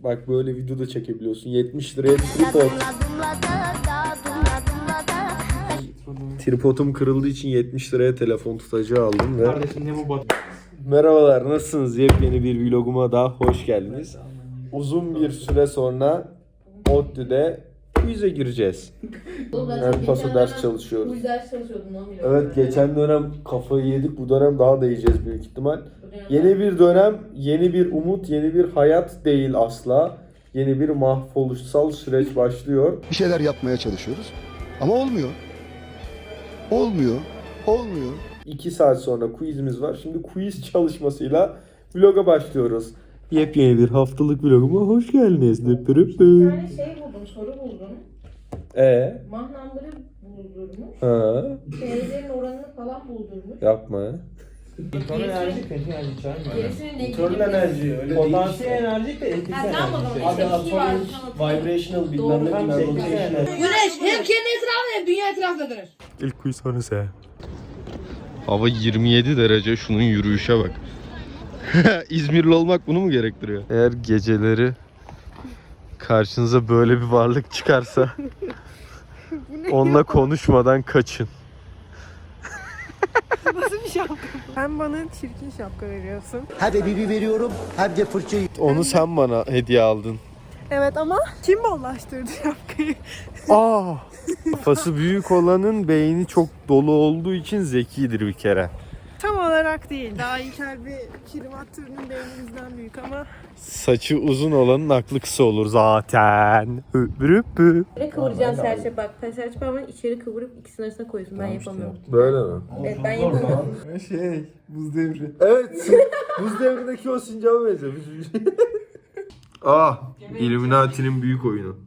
Bak böyle video da çekebiliyorsun. 70 liraya bir tripod. Tripodum kırıldığı için 70 liraya telefon tutacağı aldım ve... Kardeşim ne bu bot? Merhabalar, nasılsınız? Yepyeni bir vloguma daha hoş geldiniz. Uzun bir süre sonra ODTÜ'de quiz'e gireceğiz. Yani paso ders çalışıyoruz. Bu ders çalışıyordum lan. Evet, geçen dönem kafayı yedik. Bu dönem daha da yiyeceğiz büyük ihtimal. Yeni bir dönem, yeni bir umut, yeni bir hayat değil asla. Yeni bir mahvoluşsal süreç başlıyor. Bir şeyler yapmaya çalışıyoruz ama olmuyor. Olmuyor. 2 saat sonra quizimiz var. Şimdi quiz çalışmasıyla vloga başlıyoruz. Yepyeni bir haftalık vloguma hoş geldiniz. Bir tane şey buldum, soru buldum. Mah number'ı buldurmuş. Ha, Şeylerin oranını falan buldurmuş. yapma. Motor enerji, kötü enerji çağırmıyor. Gerisinin ne Motorun enerji öyle değil. Potansiyel enerji de etkisi Ha, tamam o enerji. zaman. Abi atomic, vibrational bilmem ne Tam bilmem etkisi rotational. enerji. Güneş hem kendi etrafında hem dünya etrafında dönür. İlk quiz sonrası. Hava 27 derece. Şunun yürüyüşe bak. İzmirli olmak bunu mu gerektiriyor? Eğer geceleri karşınıza böyle bir varlık çıkarsa onunla konuşmadan kaçın. Nasıl bir şapka? Sen bana çirkin şapka veriyorsun. Hadi bibi veriyorum hem de fırçayı. Onu sen bana hediye aldın. Evet ama kim bollaştırdı şapkayı? Kafası büyük olanın beyni çok dolu olduğu için zekidir bir kere. Tam olarak değil. Daha İlker bir kirimat türünün beynimizden büyük ama. Saçı uzun olanın aklı kısa olur zaten. Öpürüpü. Böyle kıvıracaksın serçe bak. Serçe parmağını içeri kıvırıp ikisinin arasına koyuyorsun. Ben yapamıyorum. Böyle mi? Evet ben yapamıyorum. Buz devri. Evet. Buz devrindeki o sincaba benziyor. Illuminati'nin büyük oyunu.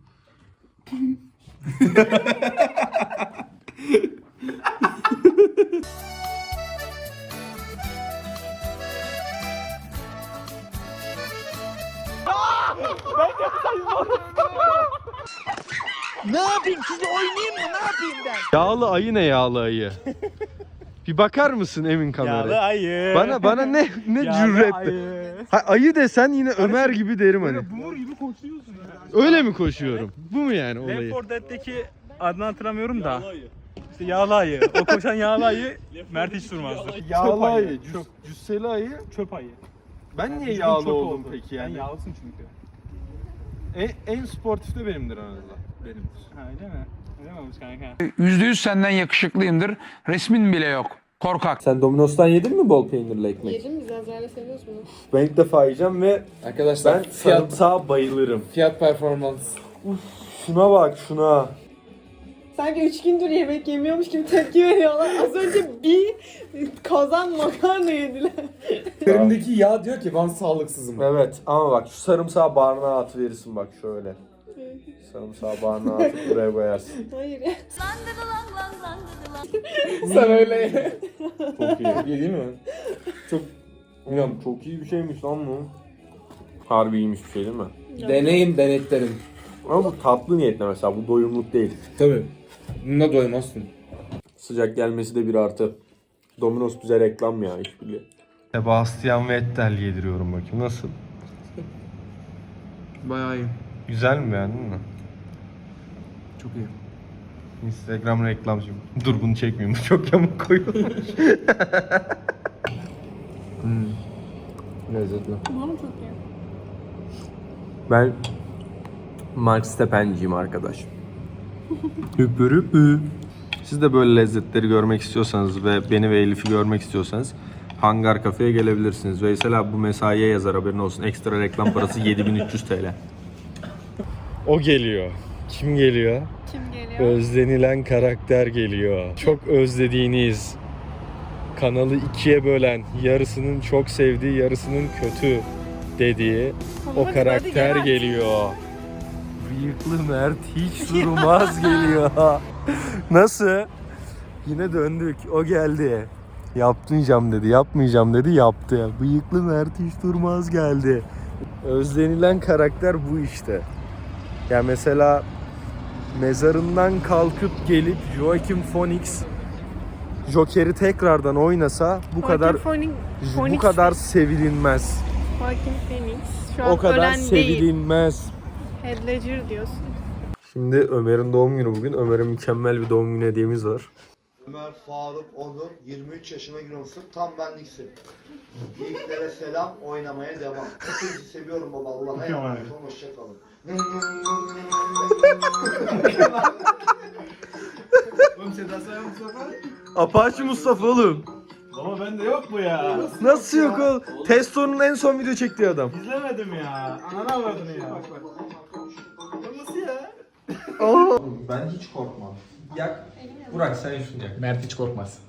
Ne yapayım sizi oynayayım mı? Ne yapayım ben? Yağlı ayı ne yağlı ayı? Bir bakar mısın Emin kameraya? Yağlı ayı. Bana ne Yağlı cüretle. ayı. Ha, ayı desen yine Ömer gibi derim hani. Bumur gibi koşuyorsun ya. Öyle mi koşuyorum? Bu mu yani olayı? Left 4 Dead'deki adını hatırlamıyorum da. İşte yağlı ayı. O koşan yağlı ayı Mert hiç durmazdı. Yağlı ayı, cüsseli ayı. Çöp ayı. Ben niye Çünkü yağlı çöp oldum oldu. peki yani? Sen yağlısın çünkü. En sportif de benimdir aranızda. Benimdir. Ha öyle mi? Öyle mi olmuş kanka? %100 senden yakışıklıyımdır. Resmin bile yok. Korkak. Sen Domino's'tan yedin mi bol peynirli ekmek? Yedim biz Azra'yla seviyoruz bunu. Ben ilk defa yiyeceğim ve Arkadaşlar ben sarımsağa bayılırım. fiyat performans. Şuna bak şuna. Sanki 3 gündür yemek yemiyormuş gibi tepki veriyorlar. Az önce bir kazan makarna yediler. Üzerimdeki yağ diyor ki ben sağlıksızım. Evet ama bak şu sarımsağı barnağa atıverirsin bak şöyle. Sarımsağı barnağa atıp buraya koyarsın. Hayır ya. Sen öyle. Çok iyi. İyi değil mi? Çok Bilmiyorum çok iyi bir şeymiş lan bu. Harbi iyiymiş bir şey değil mi? deneyin denetlerim. Ama bu tatlı niyetle mesela bu doyumluk değil. Tabii. Bununla doymazsın. Sıcak gelmesi de bir artı. Domino's bize reklam ya işbirliği. Sebastian Vettel yediriyorum bakayım nasıl? Bayağı iyi. Güzel mi beğendin mi? Çok iyi. Instagram reklamcım. Dur bunu çekmeyeyim bu çok yamuk koyulmuş. Lezzetli. Umarım çok iyi. Ben Mark Stepenciyim arkadaş. Hüpürüpü. Siz de böyle lezzetleri görmek istiyorsanız ve beni ve Elif'i görmek istiyorsanız Hangar Kafe'ye gelebilirsiniz. Veysel abi bu mesaiye yazar haberin olsun. Ekstra reklam parası 7300 TL. O geliyor. Kim geliyor? Kim geliyor? Özlenilen karakter geliyor. Çok özlediğiniz, kanalı ikiye bölen, yarısının çok sevdiği, yarısının kötü dediği o Hadi karakter gel. geliyor. Bıyıklı Mert hiç durmaz geliyor. Nasıl? Yine döndük. O geldi. Yapmayacağım dedi, yapmayacağım dedi, yaptı. Bıyıklı Mert hiç durmaz geldi. Özlenilen karakter bu işte. Ya mesela mezarından kalkıp gelip Joaquin Phoenix Joker'i tekrardan oynasa bu kadar sevilinmez. Joaquin Phoenix. Şu an O kadar ölen değil. sevilinmez. Heath Ledger diyorsun. Şimdi Ömer'in doğum günü bugün. Ömer'e mükemmel bir doğum günü hediyemiz var. Ömer Faruk Onur 23 yaşına giriyorsun. Tam benliksin. Yiğitlere selam, oynamaya devam. Hepinizi seviyorum baba. Allah'a emanet olun. Hoşçakalın. Oğlum Seda Sayan Mustafa. Apache Mustafa oğlum. Baba bende yok bu ya. Nasıl yok oğlum? Testo'nun en son video çektiği adam. İzlemedim ya. Ananı avradını ya. Bak. Nasıl ya? Ben hiç korkmam. Yak. Burak sen şunu yak. Mert hiç korkmaz.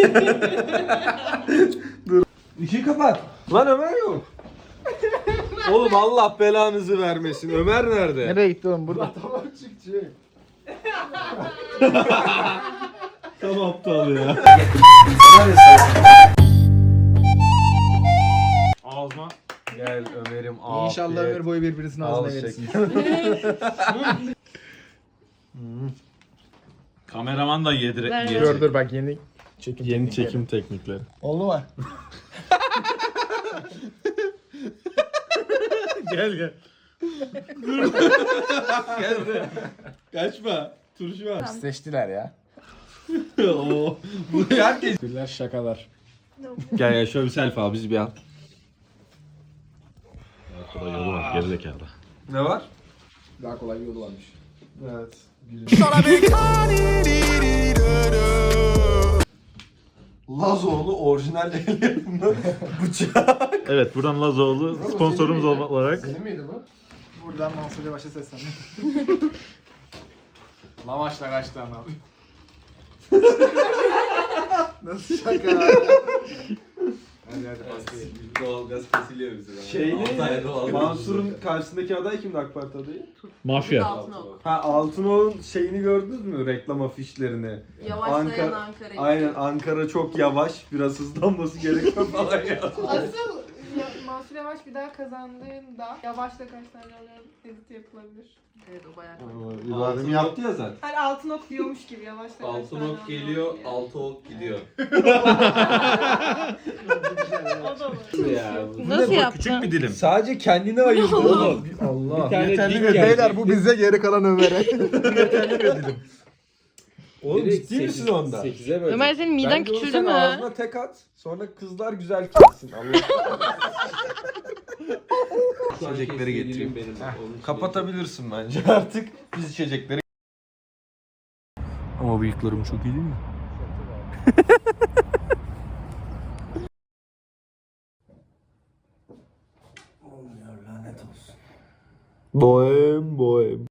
İşi kapat. Lan Ömer yok. Oğlum Allah belanızı vermesin. Ömer nerede? Nereye gitti oğlum burada? Tam aptal ya. Ağzıma. Gel Ömer'im afiyet. İnşallah ömür boyu birbirinizin ağzına Al verirsin. Kameraman da yedirecek. Dur bak yeni çekim. Yeni çekim teknikleri. Oldu mu? Gel. Gel buraya. Kaçma. Turşu var. Seçtiler ya. Oo. Bu herkes. Güller şakalar. Gel şöyle bir selfie al bizi bir al. Kolay yolu var gerizekalı. Ne var? Daha kolay bir yolu varmış. Evet. Lazoğlu orijinal el yapımı bıçak. Evet buradan Lazoğlu sponsorumuz olarak. Senin miydi bu? Buradan Mansur Yavaş'a seslendim. Lavaşla kaç tane abi? Nasıl şaka? Hadi pastayı. Doğalgaz kesiliyor bize. Mansur'un karşısındaki aday kimdi AK Parti adayı? Mafya. Altınok. Ha Altınok'un şeyini gördünüz mü reklam afişlerini? Yavaşlayan Ankara'yı. Aynen Ankara çok yavaş biraz hızlanması gerekiyor falan ya. Asıl Mansur Yavaş bir daha kazandığında yavaşla kaç tane alıyor edit yapılabilir. Evet o bayağı. İbrahim yaptı ya zaten. Hani altın ok diyormuş gibi yavaşla kaç tane alıyor diye. altı ok gidiyor. O da var. Nasıl yaptın? Küçük bir dilim. Sadece kendine ayırdı oğlum. Allah. Yeterli mi? Beyler bu bize geri kalan Ömer'e. Oğlum ciddi misin onda? Ömer senin miden Bence onu küçüldü sen mü? ağzına tek at. Sonra kızlar güzel kessin. Allah. İçecekleri getireyim. Kapatabilirsin bence artık. Biz içecekleri. Ama bıyıklarım çok iyi değil mi? Olmuyor lanet olsun. Bohem.